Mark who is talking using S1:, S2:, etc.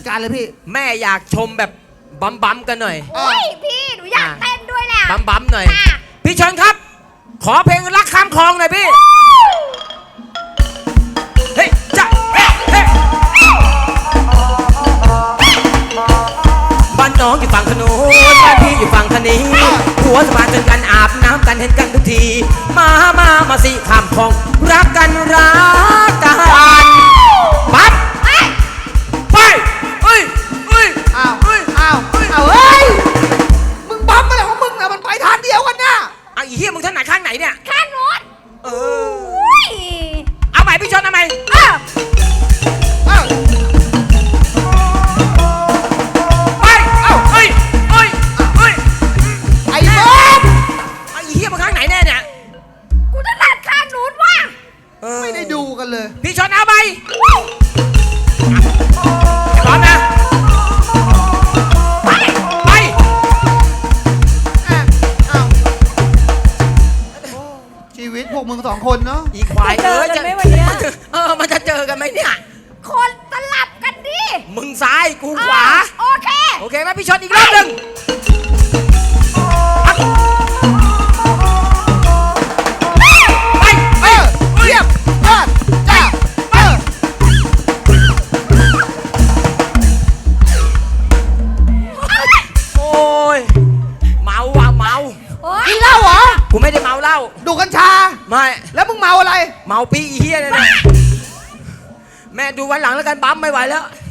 S1: การเลยพี่
S2: แม่อยากชมแบบบัมกันหน่อย
S3: โอ้ยพี่หนูอยากเต้นด้วยแหละ
S2: บัมหน่อยพี่เชิญครับขอเพลงรักข้ามคลองหน่อยพี่เฮ้ยจ้ะเฮ้เฮ้บ้านน้องอยู่ฝั่งถนนบ้านพี่อยู่ฝั่งทะนี้หัวสะพานเจอกันอาบน้ำกันเห็นกันทุกทีมาสิข้ามคลองรักกันปั๊บไปเฮ้ย
S1: อ้าวเฮ้ยมึงบั๊มอะไรของมึงนะมันไปทางเดียวกันนะ
S2: ไอ้เหี้ยมึงถนัดข้างไหนเนี่ย
S3: ข้างโน้น
S2: ยเอาใหม่พี่ชนเอาใหม่ไปเฮ้ย
S1: ไอ้บ๊อบ
S2: ไอ้เหี้ยมึงข้างไหนแน่เนี่ย
S3: กูถนัดข้างโน้นว่ะ
S1: ไม่ได้ดูกันเลย
S2: พี่ชนเอาไปพร้อมนะไป
S1: ชีวิตพวกมึงสองคนเนาะ
S2: อีควายมันจะเจอกันไหมเนี่ย
S3: คนสลับกันดิ
S2: มึงซ้ายกูขวา
S3: โอเค
S2: ไหมพี่ชนอีกรอบหนึ่ง
S1: เรียบจ้า
S2: โอ้ยเมา
S1: กินเหล้าเหรอ
S2: กูไม่ได้เมาเหล้า
S1: ดูกัญชา
S2: ไม่
S1: แล้วมึงเมาอะไร
S2: เมาปีเฮียเลยนะแม่ดูวันหลังแล้วกันบั๊มไม่ไหวแล้ว